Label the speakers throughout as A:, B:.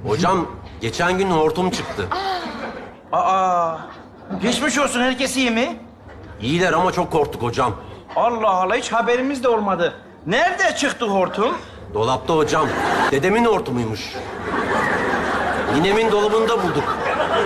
A: Hocam geçen gün hortum çıktı.
B: Aa, geçmiş olsun, herkes iyi mi?
A: İyiler ama çok korktuk hocam.
B: Allah Allah, hiç haberimiz de olmadı. Nerede çıktı hortum?
A: Dolapta hocam. Dedemin hortumuymuş. Ninemin dolabında bulduk.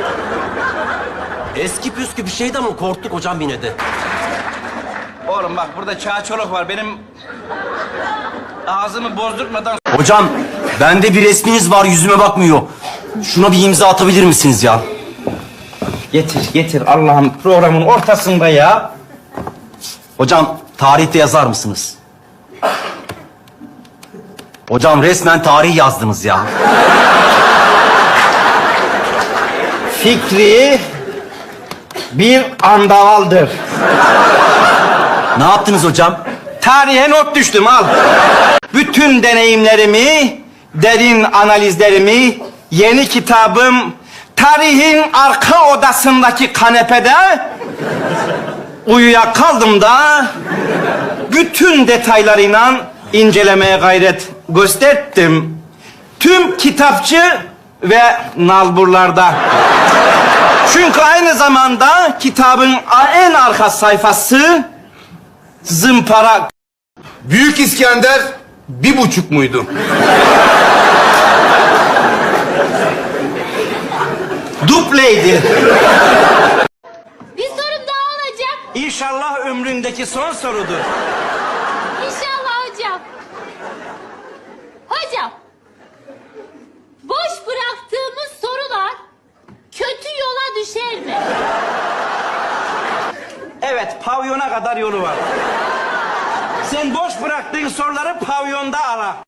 A: Eski püskü bir şeydi ama korktuk hocam yine de.
B: Oğlum bak, burada çağçoluk var. Benim ağzımı bozdurtmadan...
C: Hocam, bende bir resminiz var, yüzüme bakmıyor. Şuna bir imza atabilir misiniz ya?
B: Getir Allah'ım, programın ortasında ya.
C: Hocam, tarihte yazar mısınız? Hocam, resmen tarih yazdınız ya.
B: Fikri bir andavaldır.
C: Ne yaptınız hocam?
B: Tarihe not düştüm, al. Bütün deneyimlerimi, derin analizlerimi, yeni kitabım tarihin arka odasındaki kanepede uyuyakaldım da bütün detaylarıyla incelemeye gayret gösterdim. Tüm kitapçı ve nalburlarda. Çünkü aynı zamanda kitabın en arka sayfası zımpara.
D: Büyük İskender 1,5 muydu?
B: Dupleydi.
E: Bir sorum daha olacak.
B: İnşallah ömründeki son sorudur.
E: İnşallah hocam. Hocam, boş bıraktığımız sorular kötü yola düşer mi?
B: Evet, pavyona kadar yolu var. Sen boş bıraktığın soruları pavyonda ara.